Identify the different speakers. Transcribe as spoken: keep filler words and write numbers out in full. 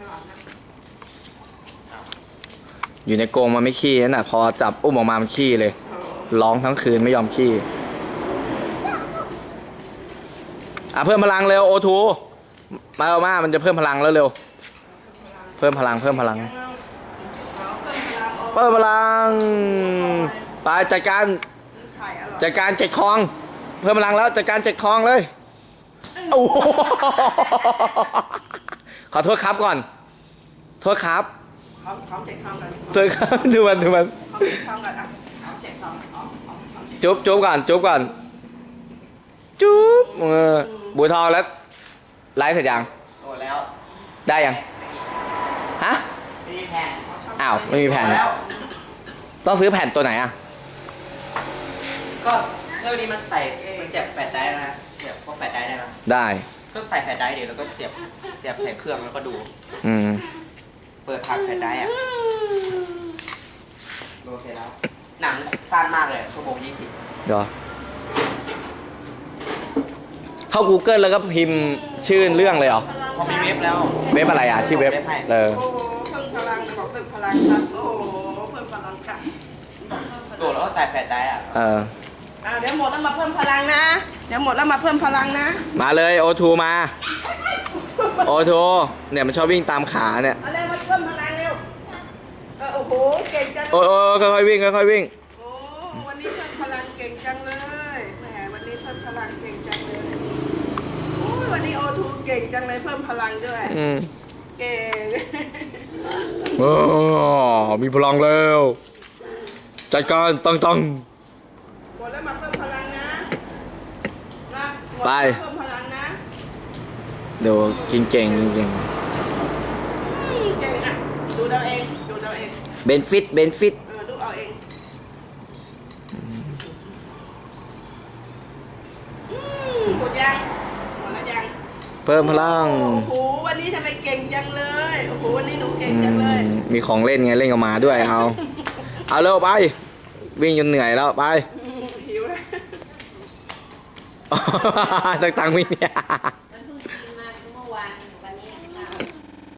Speaker 1: อยู่ในกรงมันไม่ขี้นั่นน่ะพอจับอุ้มออกมามันขี้เลยร้องทั้งคืนไม่ยอมขี้อ่ะเพิ่มพลังเร็วโอทูมาเอามามันจะเพิ่มพลังแล้วเร็วเพิ่มพลังเพิ่มพลังเพิ่มพลังไปจัดการจัดการเจ็ดคลองเพิ่มพลังแล้วจัดการเจ็ดคลองเลยโอ้ขอโทษครับก่อนโทษครับโทษครับดูมันดูมันจุ๊บจุ๊บก่อนจุ๊บก่อนจุ๊บเออบัวทองแล้วไลฟ์เสร็จยัง
Speaker 2: โอ้แล้ว
Speaker 1: ได้ยังฮะ
Speaker 2: ไม่มีแผ่น
Speaker 1: อ้าวไม่มีแผ่นต้องซื้อแผ่นตัวไหนอ่ะ
Speaker 2: ก็เครื่องนี้มันใส่มันเสียบแฟลชไดร์นะเสียบพวกแฟลชไดร์ได้ไหม
Speaker 1: ได้
Speaker 2: เครื่องใส่แฟลชไดร์เดี๋ยวแล้วก็เสียบเสียบใส่เครื่องแล้วก็ดู
Speaker 1: อืม
Speaker 2: เปิดผ่านแฟลชไดร์อ่ะโอเคแล้วหนังสั้นมากเลยชั่วโมงยี่สิบ
Speaker 1: เดี๋ยวเข้า Google แล้วก็พิมพ์ชื่อเรื่องเลยเหรอ
Speaker 2: พอมีเว็บแล้ว
Speaker 1: เว็บอะไรอ่ะชื่อเว็บเออ
Speaker 3: โอ้โหเพิ่มพลังบอกเพิ่มพลังครับโอ้โหเพิ่มพลังค่ะ
Speaker 2: โดดแล้วก็ใส่แฟลชไดร์อ่ะ
Speaker 1: เออ
Speaker 3: อ่าเดี๋ยวหมดแล้วมาเพิ่มพลังนะเดี๋ยวหมดแล้วมาเพิ่มพลังนะ
Speaker 1: มาเลยโอทูมาโอทูเนี่ยมันชอบวิ่งตามขาเนี่ย
Speaker 3: มาเร็วมาเพิ่มพลังเร็วโอ้โหเก่งจัง
Speaker 1: โอ้โอ้ค่อยๆวิ่งค่อยๆวิ่ง
Speaker 3: โอ้วันนี้เพิ่มพลังเก่งจังเลยแหมวันนี้เพิ่มพลังเก่งจังเลยโอ้วันนี้โอทูเก่งจังเลยเพิ่มพลังด้วย
Speaker 1: อืม
Speaker 3: เก่ง
Speaker 1: โอ้มีพลังแล้วจัดการตั้งตั้ง
Speaker 3: หมดแล้วมาเพิ่มพลังนะนะ
Speaker 1: ไป
Speaker 3: เพิ่มพลังนะ
Speaker 1: เดี๋ยวกินเก่งเก่ง
Speaker 3: เก่งอ่ะดูเราเองดูเราเอง
Speaker 1: เบนฟิตเบนฟิต
Speaker 3: เออดูเอาเองหมดยังหมดแล้วยัง
Speaker 1: เพิ่มพลัง
Speaker 3: โอ้โหวันนี้ทำไมเก่งจังเลยโอ้โหวันนี้หนูเก่งจังเลย
Speaker 1: มีของเล่นไงเล่นกับมาด้วยเอาเอาเร็วไปวิ่งจนเหนื่อยแล้วไป
Speaker 3: หิวแล้ว
Speaker 1: ตังตังวิ่งเนี่ย